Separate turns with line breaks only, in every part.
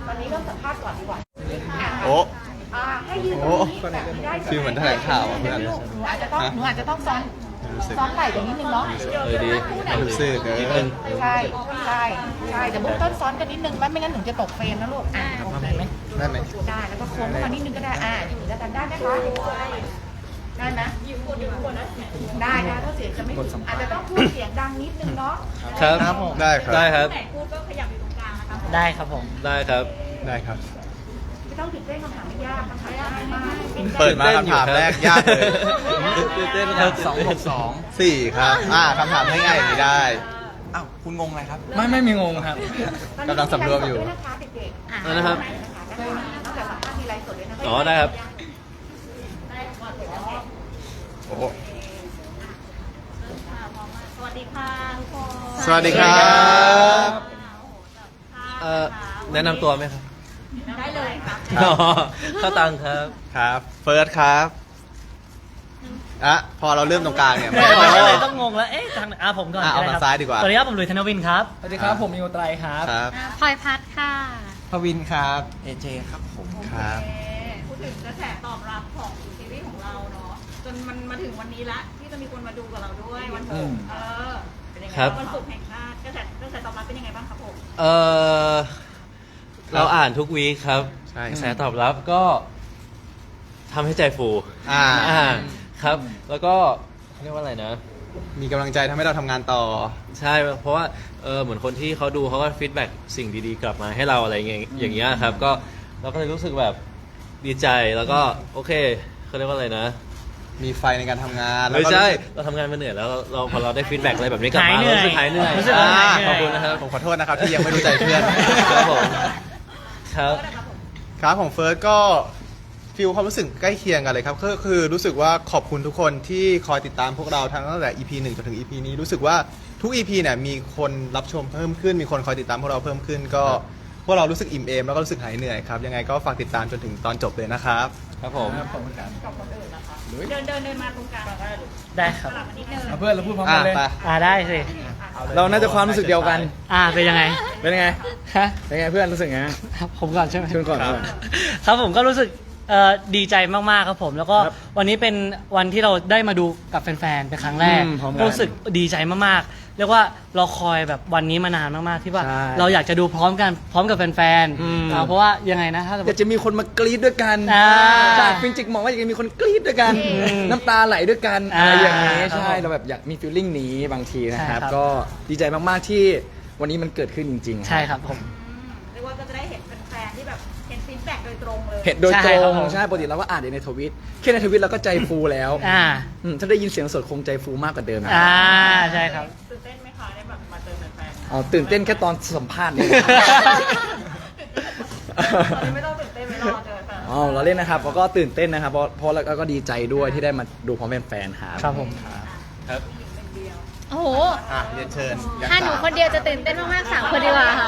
ตอนนี้เริ่มสัมภาษณ์ก่อนดีกว่า
โอ้
ให้ยืนตรงนี้แบบนี้ได้
ฟีลเหมือนแถลงข่าวอะเพื่อน
หนูอาจจะต้องซ้อนไหล่ตรงนิดนึงเนาะ
ดีรู้สึก
ใช่แต่เบื้องต้นซ้อนกันนิดนึงไม่งั้นหนูจะตกเฟรมนะลูกโอเคไหม
ได้ไหม
ได้แล้วก็โค้งเข้ามานิดนึงก็ได้อย่างนี้แล้วกันได้ไหมคะได้ไหมได้ถ้าเสียงจะไม่อาจจะต้องพูดเสียงดังนิดนึงเนาะ
ครับได้ครับได้ครับ
ได้ครับผม
ได้ครับได้ครับ
ไม่ต้องตื่นเต้นคำถามไม่ยากคำถามง่ายมาก
เปิดมาคำถามแรกยากเลย
ตื่นเต้นครับ262
4ครับคำถามง่ายๆอย่างนี้ได้
อ้าวคุณงงอะไรครับ
ไม่มีงงครับ
กำลังสำรวมอยู่
นะคะเด็กๆ
นะครับ
นอกจากสัมภาษณ์มีไลฟ์สดด้วยนะคะ
อ๋อได้ครับโอ้
สวัสดีค่ะทุกคน
สวัสดีครับ
แนะนำตัวไหมครับ
ได้เลยค่ะ
ข้าวตังครับ
ครับเฟิร์สครับพอเราเริ่มตรงกลางเนี่ย
ก็เลยต้องงงแล้ว เอ๊ะทางไหนผมก่อน
เอา
ก็
ทาง
ไครับ
ซ้ายดีกว่า
สวัสดีครับ ผมหลุยส์ธนวินครับ สวัสดีครับ ผมมิวไตรครับ
ครับ
พลอยพัดค่ะ
พวินครับ เอเจครับผม
ครับ
พูดถึงกระแสตอบรับของซีรีส์ของเราเนาะจนมันมาถึงวันนี้ละที่จะมีคนมาดูกับเราด้วยวันศุกร์เป็นยังไง
ครับ
วันศุกร์แห่งชาติกระแสตอบรับเป็นยังไงบ้างครับผม
เออเราอ่านทุกวีคครับ
ใช่
กระแสตอบรับก็ทำให้ใจฟู
อ่า
ครับ แล้วก็เรียกว่าอะไรนะ
มีกำลังใจทำให้เราทำงานต่อ
ใช่เพราะว่าเหมือนคนที่เขาดูเขาก็ฟีดแบ็กสิ่งดีๆกลับมาให้เราอะไรอย่างเงี้ยครับก็เราก็เลยรู้สึกแบบดีใจแล้วก็โอเคเขาเรียกว่าอะไรนะ
มีไฟในการทำงาน
ไม่ใช่
แล้วก็รู้สึก
เราทำงานมาเหนื่อยแล้วเราพอเราได้ฟีดแบ็กอะไรแบบนี้กลับมา
หายเหนื่อย
เรารู้สึกหายเหนื่อย
รู้สึกว่าหายเหนื่อย
ขอบคุณนะครับ
ผมขอโทษนะครับที่ยังไม่รู้ใจเพื่อน
ครับผมครับ
ครับของเฟิร์สก็ฟีลความรู้สึกใกล้เคียงกันเลยครับก็คือรู้สึกว่าขอบคุณทุกคนที่คอยติดตามพวกเราทั้งตั้งแต่ EP 1จนถึง EP นี้รู้สึกว่าทุก EP เนี่ยมีคนรับชมเพิ่มขึ้นมีคนคอยติดตามพวกเราเพิ่มขึ้นก็พวกเรารู้สึกอิ่มเอมแล้วก็รู้สึกหายเหนื่อยครับยังไงก็ฝากติดตามจนถึงตอนจบเลยนะครับ
ครับผม
เดินมาตรงกลาง
ได้ครับ
สลับมานิดนึง
เพื่อนเราพูดพร้อมกันเลย
ไป
ได้สิ
เราน่าจะความรู้สึกเดียวกัน
เป็นยังไง
เป็นไง
ฮะ
เป็นไงเพื่อนรู้สึกไง
ผมก่อนใช่ไหม
เชิญก่อน
ครับผมก็รู้สึกดีใจมากๆครับผม แล้วก็
ครับ
วันนี้เป็นวันที่เราได้มาดูกับแฟนๆเป็นครั้งแรก
พร้อมกัน
ก็รู้สึกดีใจมากๆเรียกว่าเราคอยแบบวันนี้มานานมากๆที่ว่า
ใช่
เราอยากจะดูพร้อมกันพร้อมกับแฟน
อืม
เพราะว่ายังไงนะถ้าสมม
อยาก
ติ
จะมีคนมากรี๊ดด้วยกัน จากฟินจิกมองว่าอยากจะมีคนกรี๊ดด้วยกัน น้ำตาไหลด้วยกันอะไรอย่างนี้
ครับ
ใช่เราแบบอยากมีฟีลลิ่งนี้บางทีนะครับ
ใช่ครับ
ก็ดีใจมากๆที่วันนี้มันเกิดขึ้นจริงๆ
ใช่ครับผม
เรียกว่าก็จะได้เห็นแฟนๆที่แบบเห็นฟีดแบ็กโดยตรงเลย
เห็นโดยต
ใช่
ร
ครับ
ง
ผม
ใช่ปกติเราก็อ่านในทวิตแค่ในทวิตเราก็ใจฟูแล้ว ถ้าได้ยินเสียงสดคงใจฟูมากกว่าเดิมนะ
ใช่ครับ
ตื่นเต้นไหมคะได้แบบมาเจอแฟน
อ๋อตื่นเต้นแค่ตอนสัมภาษณ์นี่
ๆตอนนี้ไม่ต้องตื่นเต้นไม่รอเจอแฟน
อ๋อเราเล่นนะครับแล้วก็ตื่นเต้นนะครับเพราะแล้วก็ดีใจด้วยที่ได้มาดูพร้อมแฟนๆครับ
ครับผม
ครับ
โอ้โห
เรียนเชิญยัง
ถ้าหนูคนเดียวจะตื่นเต้นมากๆสามคนดีกว่าค่ะ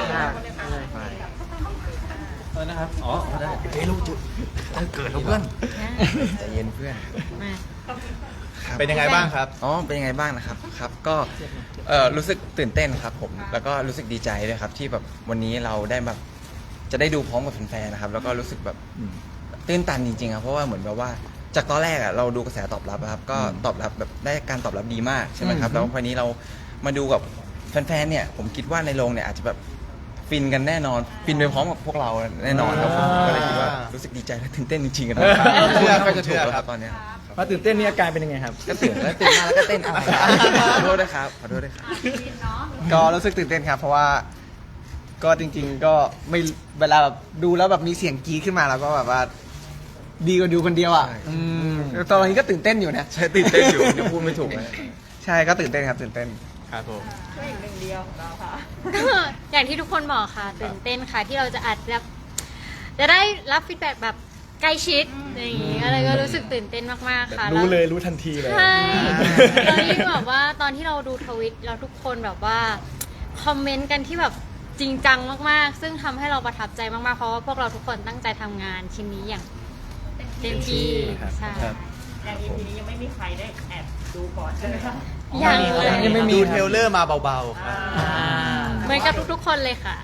นะครับอ๋อได้
เฮ้ยลูกจุดต้องเกิดแล้วเพื่อนใจเย็นเพื่อน
เป็นยังไงบ้างครับ
อ๋อ เป็นยังไงบ้างนะครับ ครับ ก็รู้สึกตื่นเต้นครับผม แล้วก็รู้สึกดีใจด้วยครับที่แบบวันนี้เราได้แบบจะได้ดูพร้อมกับแฟนๆนะครับ แล้วก็รู้สึกแบบตื้นตันจริงๆครับ เพราะว่าเหมือนแบบว่าจากตอนแรกอ่ะเราดูกระแสตอบรับอะครับ ก็ตอบรับแบบได้การตอบรับดีมากใช่ไหมครับ แล้วพอนี้เรามาดูกับแฟนๆ เนี่ย ผมคิดว่าในโรงเนี่ยอาจจะแบบฟินกันแน่นอน ฟินไปพร้อมกับพวกเราแน่นอนครับผมก็เลยคิดว่ารู้สึกดีใจและตื่นเต้นจริงๆกันนะ
เชื่อครับ
จะถูกแล้วครับตอนเนี้ย
มาตื่นเต้นนี่อาการเป็นยังไงครับ
ก็ตื่นแล้วตื่นมาแล้วก็เต้นอะไรขอโทษด้วยครับ ขอโทษด้วยครับ
ก็รู้สึกตื่นเต้นครับ เพราะว่าก็จริง ๆ ก็ไม่เวลาแบบดูแล้วแบบมีเสียงกรี๊ดขึ้นมาแล้วก็แบบว่า ดีกว่าดูคนเดียวอ่ะ
ใช่
ตอนนี้ก็ตื่นเต้นอยู่นะ
ใช่ตื่นเต้นอยู่ยังพูดไม่ถูกเลย
ใช่ก็ตื่นเต้นครับตื่นเต้นครับผม
ช่วยอีกหนึ่งเดียวของเราค่ะ
อย่างที่ทุกคนบอกค่ะ ตื่นเต้นค่ะที่เราจะอัดแบบจะได้รับฟีดแบ็กแบบใกล้ชิดอย่างงี้อะไรก็รู้สึกตื่นเต้นมากๆค่ะ
รู้
แว
เลยรู้ทันทีเลย
ใช่แล้วยิ่งแบบว่าตอนที่เราดูทวิตแล้วทุกคนแบบว่าคอมเมนต์กันที่แบบจริงจังมากๆ ซึ่งทำให้เราประทับใจมากๆเพราะว่าพวกเราทุกคนตั้งใจทำงานชิ้นนี้อย่างเต็มที่
ครับ
ใช่
อย่าง EP นี้ยังไม่มีใครได้แอบดูก่อนใช่ไหมคะ
ยังเลย
ยังไม่มี
ดูเทรลเลอร์มาเบาๆครับ
เหมือนกับทุกๆคนเลยค่ะ
เ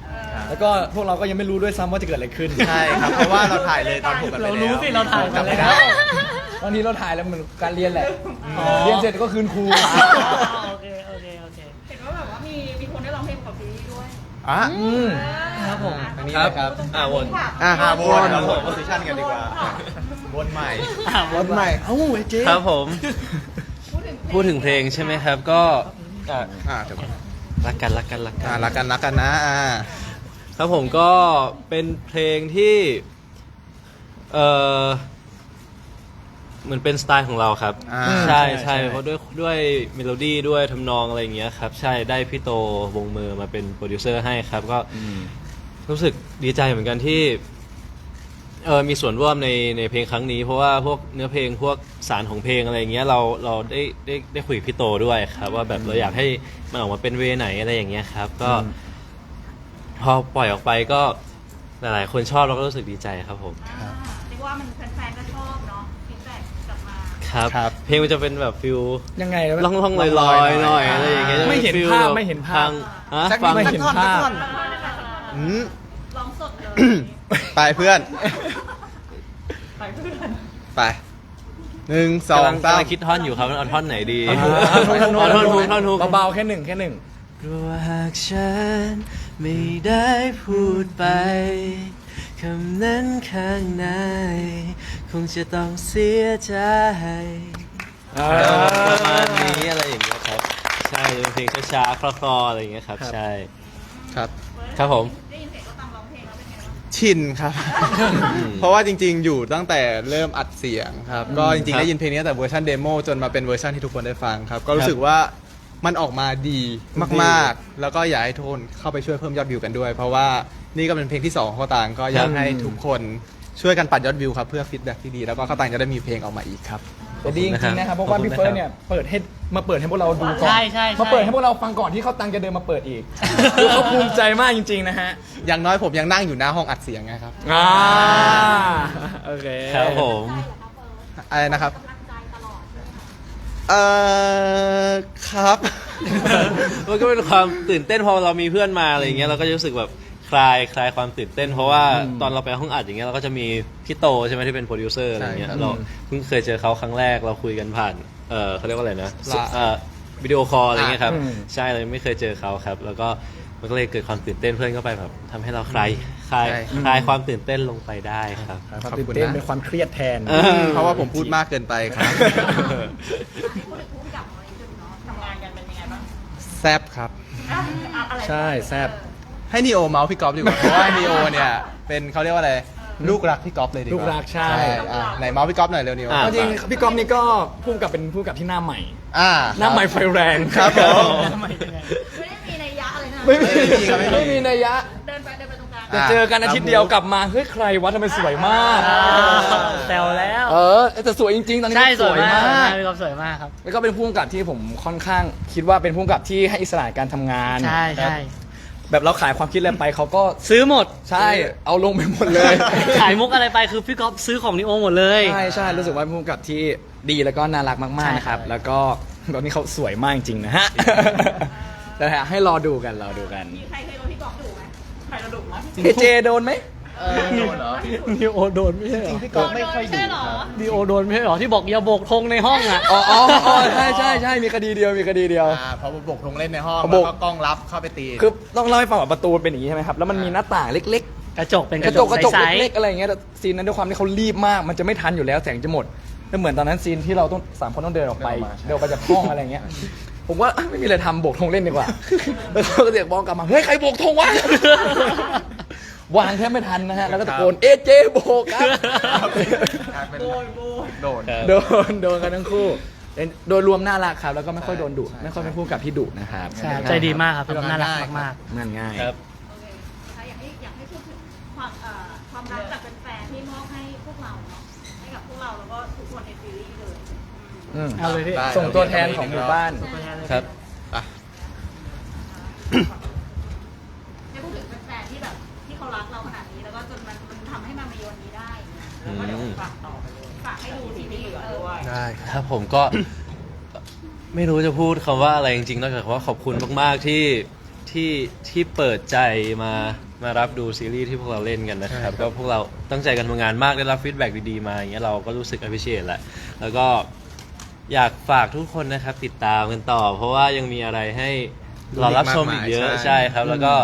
แล้วก็พวกเราก็ยังไม่รู้ด้วยซ้ำว่าจะเกิดอะไรขึ้น
ใช่ครับเพราะว่าเราถ่ายเลยตอน6กันไป
เรา
แล้ว
รู้สิเราถ่ายกัน
จำไม่
แล้
ได้
ว
ตอนนี้เราถ่ายแล้วเหมือนการเรียนแหละ เรียนเสร็จก็คืนครู
โอเคโอเคโอเค
เห็นว่าแบบว่ามีคนได้ร้องเพลงกับซีรีส์ด้วย
อ่ะ
ครับผม
อันนี้นะครับ
วน
วนครับผมโพสิชันกันดีกว่าวนใหม่
รถใหม่ เอ้าไอ้เจ๊
ครับผม พูดถึงเพลงใช่ไหมครับ ก็
เดี๋ยว
รักกันรักกันรักกัน
รักกันนะ
ครับผมก็เป็นเพลงที่เหมือนเป็นสไตล์ของเราครับ ใช่ใช่เพราะด้วยเมโลดี้ด้วยทำนองอะไรอย่างเงี้ยครับใช่ได้พี่โตวงมือมาเป็นโปรดิวเซอร์ให้ครับก็รู้สึกดีใจเหมือนกันที่มีส่วนร่วมในเพลงครั้งนี้ เพราะว่าพวกเนื้อเพลงพวกสารของเพลงอะไรอย่างเงี้ยเราได้คุยกับพี่โตด้วยครับว่าแบบเราอยากให้มันออกมาเป็นเวไหนอะไรอย่างเงี้ยครับก็พอปล่อยออกไปก็หลายๆคนชอบเราก็รู้สึกดีใจครับผม
เรียกว่ามันแฟนๆก็ชอบเนาะฟีดแบ็กกลับมา
ครับเพลงมันจะเป็นแบบฟิล
ยังไง
ล่องๆลอยๆหน่อยอะไรอย่างเงี้ย
ไม่เห็น
จะป็
ภาพ
ฟิล
ไม่เห็นภาพ
ฟัง
ไม่เห็นภาพ
ร้องสดเลย
ไปเพื่อน
ไปเพื่อน
ไป1 2
กำลัง
3
คิดท่อนอยู่ครับเอาท่อนไหนดี
ท่อนฮุก
เอาท่อนฮุกท่อนฮุก
เบาๆแค่หนึ่ง
กลัวหากฉันไม่ได้พูดไปคำนั้นข้างในคงจะต้องเสียใจประมาณนี้อะไรอย่างเงี้ยครับใช่เป็นเพลงช้าๆคลอๆอะไรอย่างเงี้ยครับใช่
ครับ
ครับผม
ได้ยินเสียงก็ตามร้องเพลงแล้วเป็นไงบ้าง
ชินครับ เพราะว่าจริงๆ อยู่ตั้งแต่เริ่มอัดเสียงครับ ก็จริงๆ ได้ยินเพลงนี้ตั้งแต่เวอร์ชันเดโมจนมาเป็นเวอร์ชันที่ทุกคนได้ฟังครับ ก็รู้สึกว่ามันออกมาดีมากๆ แล้วก็อยากให้ทุกคนเข้าไปช่วยเพิ่มยอดวิวกันด้วย เพราะว่านี่ก็เป็นเพลงที่2ของข้าวตางก็อยากให้ทุกคนช่วยกันปัดยอดวิวครับเพื่อฟีดแบ็กที่ดีแล้วก็ข้าวตางจะได้มีเพลงออกมาอีกครับ
แต่ดีจริงๆนะครับเพราะว่าพี่เฟิร์สเนี่ยมาเปิดให้พวกเราดูก่อน
ใช่ใช่
มาเปิดให้พวกเราฟังก่อนที่เขาตังจะเดินมาเปิดอีกคือเขาภูมิใจมากจริงๆนะฮะ
อย่างน้อยผมยังนั่งอยู่หน้าห้องอัดเสียงไงครับ
โอเค
ครับผม
อะไรนะครับครับ
มันก็เป็นความตื่นเต้นพอเรามีเพื่อนมาอะไรอย่างเงี้ยเราก็จะรู้สึกแบบคลายความตื่นเต้น เพราะว่าตอนเราไปห้องอัดอย่างเงี้ยเราก็จะมีพี่โตใช่ไหมที่เป็นโปรดิวเซอร์อะไรเงี้ย
ใช่ครับ
เราเพิ่งเคยเจอเขาครั้งแรกเราคุยกันผ่านเขาเรียกว่าอะไรนะ
ละ
วิดีโอคอลอะไรเงี้ยครับ
อืม
ใช่เลยไม่เคยเจอเขาครับ แล้วก็มันก็เลยเกิดความตื่นเต้นเพื่อนก็ไปแบบทำให้เราคลายความตื่นเต้นลงไปได้ครับ
ความตื่นเต้นเป็นความเครียดแทน
เพราะว่าผมพูดมากเกินไปครับ
พูดถึงผู้กำกับอะไรขึ้นเนาะทำงานกันเป็นยังไงบ้าง
แซบครับ
อะไร
ใช่แซบ
ให้นีโอเมาส์พี่ก๊อฟดีกว่า เพราะว่านีโอเนี่ยเป็นเขาเรียกว่าอะไรลูกรักพี่ก๊อฟเลยดีกว่า
ลูกรักใช่
ไหนเมาส์พี่ก๊อฟหน่อยเร็วนีโอ
จริงๆพี่ก๊อฟนี่ก็พูดกับเป็นผู้กับที่หน้าใหม่ หน้าใหม่ไฟแรง
ครับผม
ไม่ได้มีนัยยะอะไรนะ
ไม่มี
ครับไม่มี
ไม่มีนัยยะ
เดินไปตรงกลาง
จะเจอกันอาทิตย์เดียวกลับมาเฮ้ยใครวะทำไมสวยมาก
แซวแล้ว
แต่สวยจริงๆตอนนี้
ใช่
สวยมาก
พี่ก๊อฟสวยมากครับ
แล้วก็เป็นผู้กำกับที่ผมค่อนข้างคิดว่าเป็นผู้กำกับที่ให้อิสระในการทำงาน
ใช่ใช่
แบบเราขายความคิดอะไรไปเขาก็
ซื้อหมด
ใช่เอาลงไปหมดเลย
ขายมุกอะไรไปคือพี่ก๊อฟซื้อของนิโอหมดเลย
ใช่รู้สึกว่าเป็นผู้กำกับที่ดีแล้วก็น่ารักมากๆนะครับ
ใช่
แล้วก็ตอนนี้เขาสวยมากจริงๆนะฮะ แต่ให้รอดูกัน
มีใครเคยโดนพี่กอล์ฟดุไหมใครเราดุไหม
เจโดนไหม
นิโอโดนไม่ใช่เหรอ
พี่ก๊อฟไม่ค่อย
ใช่เหรอ
นิโอโดนไม่ใช่เหรอที่บอกอย่าโบกธงในห้องอ่ะ
อ๋อใช่มีคดีเดียว
พอบุกลงเล่นในห้อง
พอ
แล้
บุ
ว
ก
ก็กล้องรับเข้าไปตี
คือต้องเล่าให้ฟังว่าประตูเป็นอย่างนี้ใช่ไหมครับ แล้วมันมีหน้าต่างเล็ก
กระจกเป็น
ๆ
กระจก
กระจก
ใส
เล็กๆอะไรอย่างเงี้ยแต่ซีนนั้นด้วยความที่เขารีบมากมันจะไม่ทันอยู่แล้วแสงจะหมดแล้วเหมือนตอนนั้นซีนที่เราต้อง3 คนต้องเดินออกไปจากห้องอะไรอย่างเงี้ยผมว่าไม่มีอะไรทำโบกธงเล่นดีกว่า แล้วเขาก็เรียกบอลกลับมาเฮ้ยใครโบกธงวะ วางแทบไม่ทันนะฮะแล้วก็ตะโกนเจโบกครับ
โดน
โดนกันทั้งคู่โดยรวมน่ารักครับแล้วก็ไม่ค่อยโดนดุไม่ค่อยเป็นผู้กับที่ดุนะครับ
ใช่ใจดีมากครับพี่ก๊อฟน่ารักมาก
งานง่าย
ครับ
โอเคนะคะอยากให้พูดถึงความรักจากแฟนๆที่มอบให้พวกเราเนาะให้กับพวกเราแล้วก็ทุกคนในซีรีส์เลย
เอาเลยพี่
ได้
ส่งตัวแทนของหมู่บ้าน
ครับ
ให้พูดถึงแฟนๆที่แบบที่เขารักเราขนาดนี้แล้วก็จนมันทำให้มามีวันนี้ได้แล้วก็เดี๋ยวฝากต่อไปเลยฝากให้ดูซีรีส์ด้วย
ได้
ครับผมก็ ไม่รู้จะพูดคำว่าอะไรจริงๆนอกจากว่าขอบคุณมากๆที่เปิดใจมารับดูซีรีส์ที่พวกเราเล่นกันนะครับก็พวกเราตั้งใจกันทำงานมากได้รับฟีดแบ็กดีๆมาอย่างเงี้ยเราก็รู้สึก appreciate แหละแล้วก็อยากฝากทุกคนนะครับติดตามกันต่อ เพราะว่ายังมีอะไรให้เรารับชมอีกเยอะใช่ครับ แล้วก็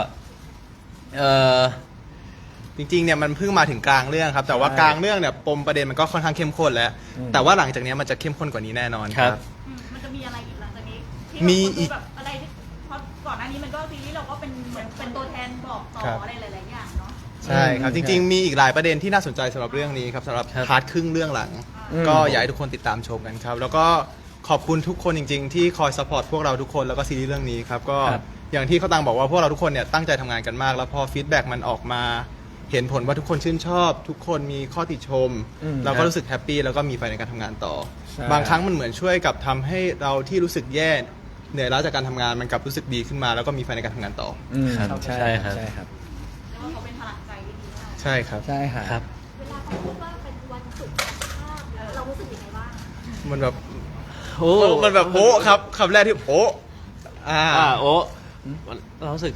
จริงๆเนี่ยมันเพิ่งมาถึงกลางเรื่องครับ แต่ว่ากลางเรื่องเนี่ยปมประเด็นมันก็ค่อนข้างเข้มข้นแล้ว แต่ว่าหลังจากนี้มันจะเข้มข้นกว่านี้แน่นอนครับ
มันจะมีอะไรอีกหลังจากนี้
มีอีก
แบบอะไรที่เพราะก่อนหน้านี้มันก็ซีรีส์เราก็เป็นเหมือนเป็นตัวแทนบอกต่ออะไรหลายๆอย่างเนาะ
ใช่ครับจริงๆมีอีกหลายประเด็นที่น่าสนใจสำหรับเรื่องนี้ครับสำหรับพาร์ทครึ่งเรื่องหลัง ก็อยากให้ทุกคนติดตามชมกันครับ แล้วก็ขอบคุณทุกคนจริง ๆ ที่คอยซัพพอร์ตพวกเราทุกคนแล้วก็ซีรีส์เรื่องนี้ครับก็อย่างที่เขาตังบอกว่าพวกเราทุกคนเนี่ยตั้งใจทำงานกันมาก แล้วพอฟีดแบ็กมันออกมาเห็นผลว่าทุกคนชื่นชอบ ทุกคนมีข้อติชม เราก็รู้สึกแฮปปี้แล้วก็มีไฟในการทำงานต่อ บางครั้งมันเหมือนช่วยกับทำให้เราที่รู้สึกแย่เหนื่อยล้าจากการทำงานมันกลับรู้สึกดีขึ้นมา แล้วก็มีไฟในการทำงานต่อ
ใช่ครับ
แล้วเขาเป็นพลังใจที่ดีมาก
ใช่ครับ
ใช่ครับ
ครับ
เวลาเขาพูดว่าเป็นวันศุกร์เรารู้สึกยังไงบ้าง
มันแบบ
โอ้
มันแบบโอ้ครับคำแรกที่โอ้
โอ้เรารู้สึก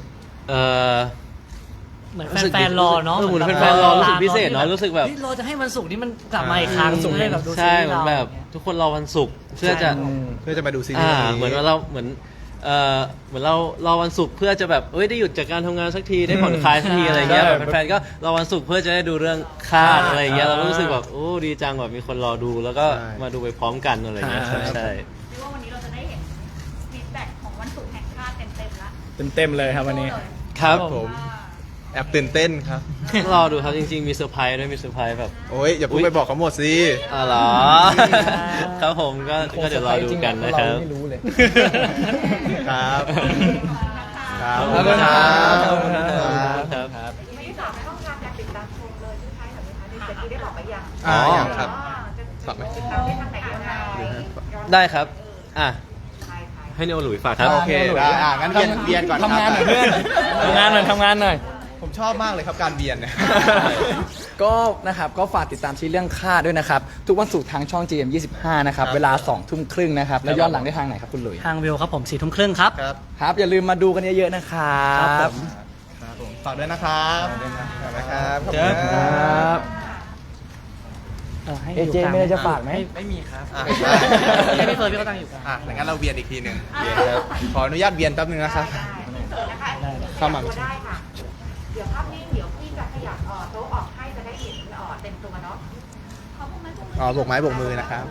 เหมือนแฟนๆรอเนาะ
เหมือนแฟนๆรอรู้สึกพิเศษเนาะรู้สึกแบบ
เราจะให้วันศุกร์นี้มันกลับมาอีกครั้งจะได้แบบดูซี
ใช่
รีส์
เหมือน
เรา
แบบทุกคนรอวันศุกร์เพื่อจะ
มาดูซีรีส์นี้
เหมือนว่าเราเหมือนเรารอวันศุกร์เพื่อจะแบบได้หยุดจากการทำงานสักทีได้ผ่อนคลายสักทีอะไรเงี้ย
ใช่
แบบแฟนๆก็รอวันศุกร์เพื่อจะได้ดูเรื่องคาดอะไรเงี้ยเรารู้สึกแบบโอ้ดีจังแบบมีคนรอดูแล้วก็มาดูไปพร้อมกันอะไรเงี้ยครับใช่
เรียกว่าวันนี้เราจะได้เห็นฟีดแบ็กของวันศุกร์แห่งชาติเต็มๆละ
เต็มเลยครับวันนี้
ครับ
ผมแอบตื่นเต้นครับ
รอดูครับจริงๆมีเซอร์ไพรส์ด้วยมีเซอร์ไพรส์แบบ
โอ้ยอย่าเพิ่งไปบอกเขาหมดสิ
อ๋อเหรอ ครับผมก็เดี๋ยวรอดูกันนะครับ
เราไม่รู้เลย
ครับครับ
ขอบคุณครับ
ขอบคุณครับ
ครับ
ไม่ได้ฝากช่องทางการติดตามชมเลยใช่ไหมคะในเซ็ตที่ได้บอกไปยัง
อย่างครับ
จะ
ฝากไหม
ติดตามได้ทางไหนยังไง
ได้ครับให้เนโอหลุยฝากครับ
โอเคได้งั้นเบียนก่อนครับ
ทำงานหน่อยเพื่อนทำงานหน่อย
ผมชอบมากเลยครับการเบียนเนี่ย
ก็นะครับก็ฝากติดตามซีรีส์เรื่องค่าด้วยนะครับ ทุกวันศุกร์ทางช่อง GM25 นะครับ
ครับ
เวลา 20:30 นะครับ แล้วย้อนหลังได้ทางไหนครับคุณหลุย
ทางวิวครับผม4 ทุ่มครึ่งครับ
ครับ
ครับ อย่าลืมมาดูกันเยอะๆนะครับ
ครับผม
ครับผมฝากด้วยนะครับฝากด้วยนะครับขอบ
ค
คุณค
รั
รับ
ให้
เอเจไม่ได้จะฝากไหม
ไม่มีครับ
ให้พี่เฟิร์นพี่ก็ตั้งอยู่กัน
งั้นเราเบียนอีกทีหนึ่งขออนุญาตเบียนแป๊บนึงนะครับ เข้ามา
ได้ค่ะ เดี๋ยวภาพนิ่งเดี๋ยวพี่จะขยับโต๊ะออกให้จะได้เห็นเต็มตัวเนาะ
โบกไม้โบกมือนะครับ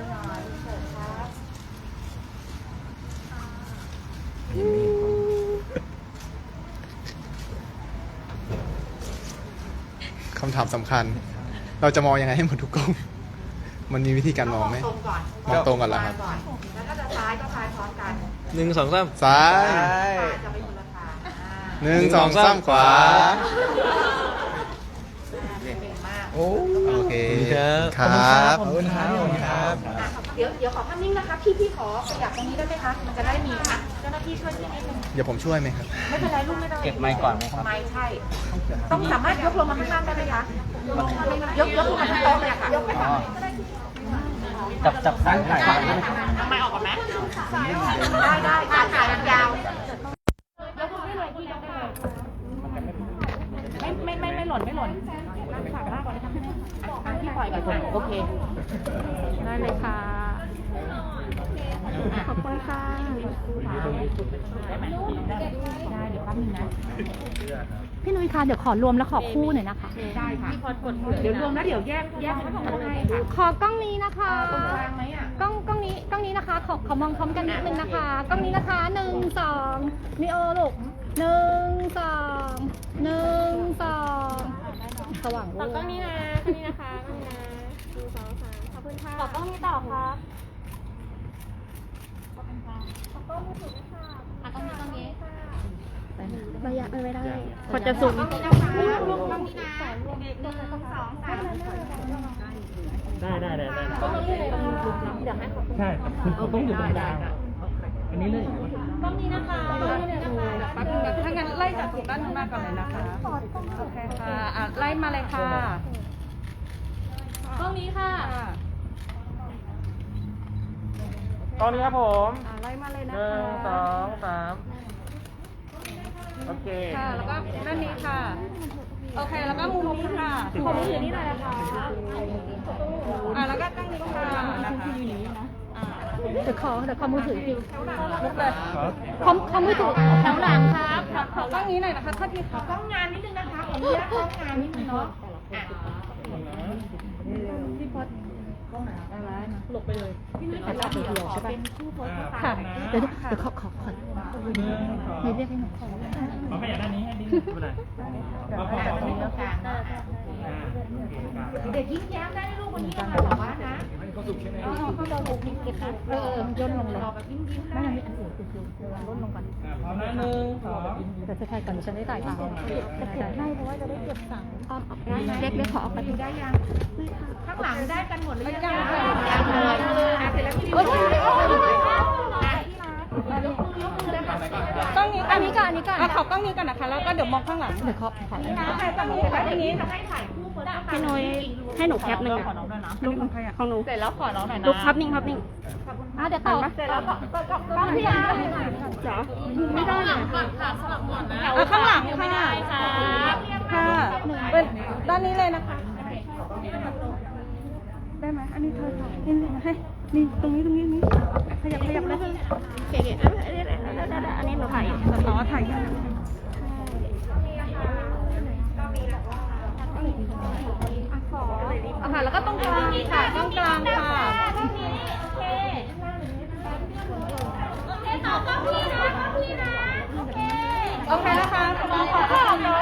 คำถามสำคัญ เราจะมองยังไงให้หมดทุกกล้อง มันมีวิธีการมองไหม
ตรงก่อน
มองตรงก่อนเหรอครับ
แล้วก็จะซ้ายก็ซ้ายพร้อมกัน
1 2 3
ซ้าย
จะไปคนละทาง
1 2 3 ขวา
เก่งมาก
โอเค
ครับ
ครับ
ขอบคุณครับ
เดี๋ยวขอภาพนิ่งนะคะ พี่ขอขยับตรงนี้ได้ไหมคะ มันจะได้มีเจ้าหน้าที่ช่วยพี่นิดนึง
เดี๋ยวผมช่วยไหมครับ
ไม่เป็นไรลูกไม่ต้อง
เก็บไมค์ก่อนไหมครับ
ไมค์ใช่ ต้องสามารถยกลงมาข้างล่างได้ไหมคะ ยกลงมาทั้งโต๊ะเลยค่ะยกไปทางไหนก็ได้
จับสายถ่าย
ทำไมออกก่อนไหมได้การถ่ายมันยาวยกลงได้เลยพี่ยกได้เลยไม่หล่นนั่งฝากมากก่อนนะคะพี่ปล่อยก่อนค่ะโอเค ได้เลยค่ะ ขอบคุณค่ะได้ไหมได้เดี๋ยวแป๊บนึงนะ
พี่นุ้ยคะเดี๋ยวขอรวมแล้วขอคู่หน่อยนะคะ
ได้ค่ะเดี๋ยวรวมแล้วเดี๋ยวแยกให้ค่ะ
ขอกล้องนี้นะคะ
ตรงกลางไหมอ่ะ
กล้องนี้นะคะ ขอมองพร้อมกันนิดนึงนะคะ กล้องนี้นะคะ1 2นิโอลูก1 2 1 2สว่างลูก
กล้องนี้นะกล้องนี้นะคะกล้องนี้นะ1 2 3ขอบคุณค่ะขอกล้องนี้ต่อครับขอบคุณค่ะขอกล้องมือถือด้วยค่ะกล้องนี้ระยะไม่ได้พอจะสูงลูกกล้องนี้นะ1 2 3
ได้
กล้องนี้เลยเดี๋ยวให้ขอบคุณ
ใช่ครับต้องอยู่ตรงกลางอันนี้เลย
กล้องนี้นะคะกล้องนี้นะคะ
แป๊บนึงนะถ้างั้นไล่จากตรงด้านข้างหน้าก่อนเลยนะคะ โอเคค่ะไล่มาเลยค่ะ
กล้องนี้ค่ะ
ตอนนี้ครับผม
ไล่มาเลยนะ
1
คะ
2 3 โอเค
ค่ะ แล้วก็ด้านนี้ค่ะ โอเค แล้วก็มุมนี้ค่ะขอมือถือนี่หน่อยนะคะแล้วก็ตั้งนี้ค่ะนะคะ
เดี๋ยวขอมือถือคิว
ลุกเลย
ขอมือถือแถวหลังครับ
ขอกล้องนี้หน่อยนะคะถ้าที่ขอกล้องงานนิดนึงนะคะขออนุญาตกล้องงานนิดนึงเนาะ
ค่ะ เดี๋ยวขอให้เรียกให้หนูขอ
ขอขยับด้านนี้ให้ดีไม่เป็นไร
เด็กยิ้มแย้มได้ลูกวันนี้เรามาบอกว่านะ
ย่นลงเลยไม่ยังมีอันอื่นย่นลงก่อน
พร้อมนะหนึ่งสอง
แต่จะถ่ายก่อนฉันได้ถ่ายตามจะเก็บให้เพราะว่าจะได้เก็บสั่งเล็กขอออกไป
ดูได้ยังข้างหลังได้กันหมดหรือยังยังเลยเสร็จแล้วพี่ดิวต้องนี้
อันนี้ก่อน
ขอกล้องนี้ก่อนนะคะแล้วก็เดี๋ยวมองข้างหลัง
เดี๋ยวขอ
ใครต้องนี้แต่ทีนี้จะให้ถ่ายคู่คนละ
พี่นุ้ยให้หนูแคปหนึ่งรูปของหนู
เสร็จแล้วขอน้องหน่อยนะ
รูปภาพนิ่งเดี๋ยวต่อ
เสร็จแล้วก็พี่ยาจ๋อ
ไม่ได้เลย
ข้างหลังค่ะค่ะเป็นด้านนี้เลยนะคะได้ไหมอันนี้เธอนี่ให้นี่ตรงนี้ขยับเลย
เก๋ๆอันนี้หนูถ่าย
อ๋อถ่ายยังค่ะแล้วก็ตรงกลางค่ะตรงกลางค่ะโอเคนะคะขอบคุณค่ะ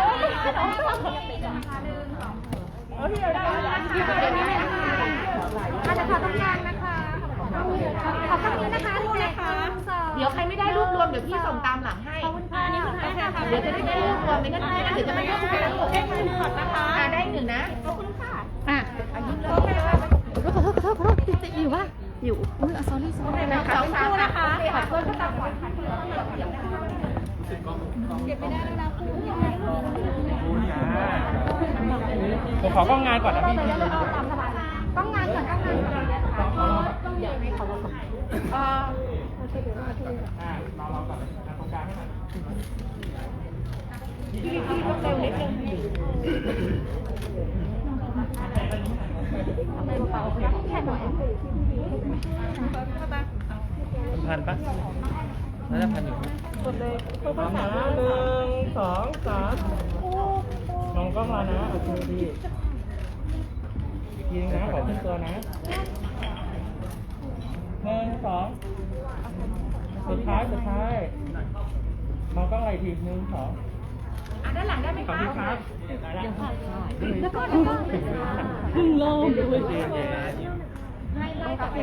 โอเคได้นะคะตรงกลางนะคะขอบคุณนะคะนี่นะคะเดี๋ยวใครไม่ได้รูปรวมเดี๋ยวพี่ส่งตามหลังให้เดี๋ยวจะได้รูปรวมไม่งั้นเดี๋ยวจะไม่ได้รูปรวมได้หนึ่งนะคะได้หนึ่งนะขอบคุณค่ะอันนี้เลย
ขอโทษอยู่ป่ะอยู่อุ้ยsorry
นะคะขอบคุณนะคะขอบคุณก็ตามก่อนเก็บไม่ได้แล้วนะคุณ
ผมขอกล้องงานก่อนนะพี่
ต้องงานก่อนเดี๋ยวให้เขามาส่ง
เราก่อนตรงกลางให้หน่อย
พี่ต้องเร็วนิดนึง
แค่หน่อย
พันปะน่าจะพันอยู่
กดเลย
พร้อมนะหนึ่งสองสามลองกล้องมานะโอเคดีอีกทีนึงนะขอขึ้นตัวนะหนึ่งสองสุดท้ายมองกล้องอะไรทีหนึ่งสอง
ด้านหลังได้ไหม
ขอบ
คะ
คุณครับได้แล้ว
แล้วก็
พึ่งลงด้วย
โอเค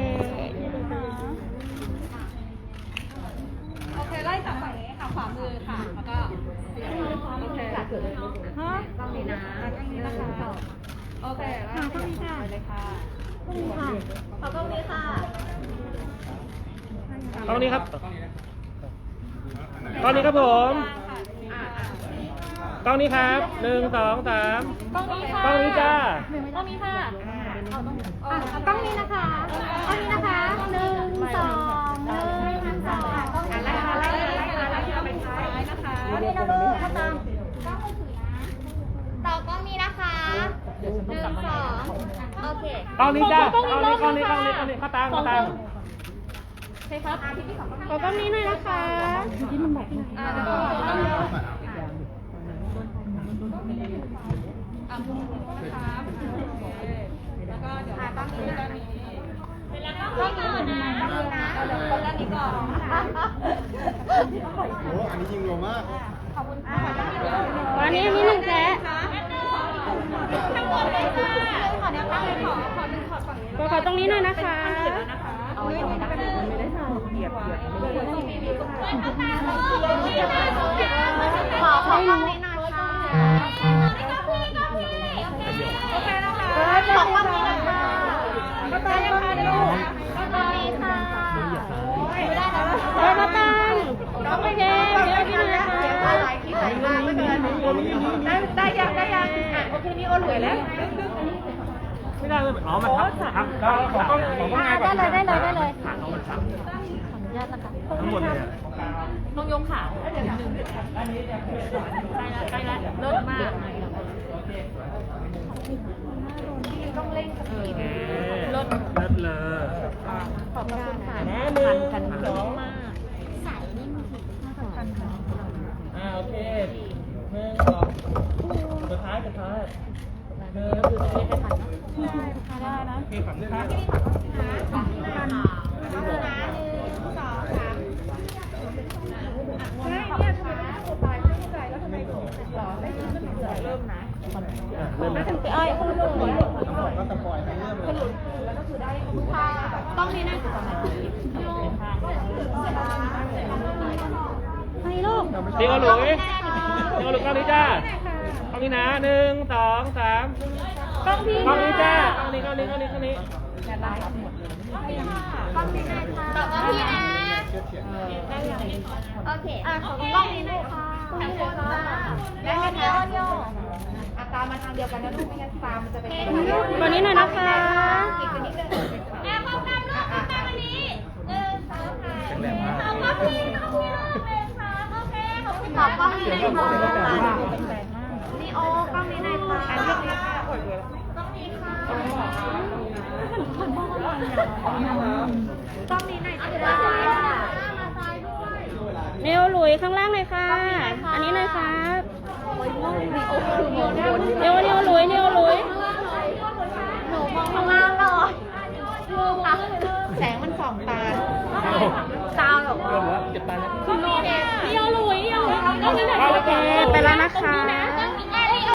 โอเคไล่จากฝั่งนี้ค่ะขวามือค่ะแล้วก็โอเคฮะต้องนี้นะต้องนี้นะคะโอเคแล้วต้องนี้ค่ะเลยค่ะขอต้องนี้ค่ะ
กล้องนี้ครับกล้องนี้ครับผมกล้องนี้ครับหนึ่งสองสาม
ต้องนี้ค่ะ
กล้องนี้จ้า
ต้องนี้ค่ะต้องนี้นะคะต้องนี้นะคะ1 2 1 2
ไล่มาไปท้ายนะคะ
นี่นะลูกมาตาม
ต่อกล้องนี้นะคะ1 2โอเค
กล้องนี้จ้ากล้องนี้เข้าตาม
ขอกล้องนี้หน่อยนะคะที่มันบอก
แล้วก็ต้องนะคะแล้วก็เดี๋ยวตั้งนี้ด้านนี้แล้วก็ก่อนนะเดี๋ยวคนด้านนี้ก่อน
โอ้อันนี้ยิงโลมาก
วันนี้มี1แจ๊ะ
ทั้งหมดเลยค่ะขอแนวตั้งเลยขอดึงขอฝั่งนี้
ขอตรงนี้หน่อยนะคะ
เอาไม่ได้เหยียบขอฝั่งนี้หน่อยค่ะโอเคนะคะขอฝั่งนี้นะคะก็ตามนะคะเดี๋ยว
โอเคค่ะไปมาตังโอเคเดี๋ยวพี่นะคะ
ได้ยังโอเคนี่โอเหลือแล้ว
ไม่ได้เลยอ๋อมันครับขอกล้องงานก่อน
ได้เลยขออนุญาตนะคะ
ทั้งหมดเลย
ต้องยกขาเดี๋ยวนึงใกล้ละเลิศมากต้องเล่นกับพี่เลิศ
เลิศเลย
ขอบคุณค่ะ
นะหนึ่ง
กัน
สอง
มาก
โอเคหนึ่งสองสุดท้ายหนึ่งคือจะได้ทันได้นะโอเคฝั่งนี้ครับเริ่ม
ต้องนี้นะ
ให้ลูก
เดี๋ยวหลุยเดี๋ยวหลุยกล้องนี้จ้ากล้องนี้นะ1 2 3
กล้องพี่
กล้องนี้จ้า
ค่ะ
กล้องนี้
ตอบว่าพี่นะ โอเคของกล้องนี้หน่อยค่ะทั้งคนแล้วเดี๋ยว
อาตามาทางเดียวกันนะลูกไม่งั้นตามันจะเป็น
ตัวนี้หน่อยนะคะ
อีกตัวนี้เลย
แอบความกันลูกความกันวันนี้1 2 3ขอบคุณเลยค่ะโอเคขอบคุณค่ะกล้องนี้เลยค่ะนีโอกล้องนี้เลยค่ะกล้องนี้ค่ะกล้องนี้ค่ะกล้องนี้หน่อยค่ะมาซ้ายด้วย
เนวหลุยข้างล่างเลยค่ะ อันนี้เลยครับ เนวหลุย
หนูมองข้างล่างหน่อยแสงมันส่องตาตาแบบ
เริ่มแล้วเจ็บตาแล้ว
เนวหลุยกล้องนี้หน่อยโอเคไปแล้วนะคะ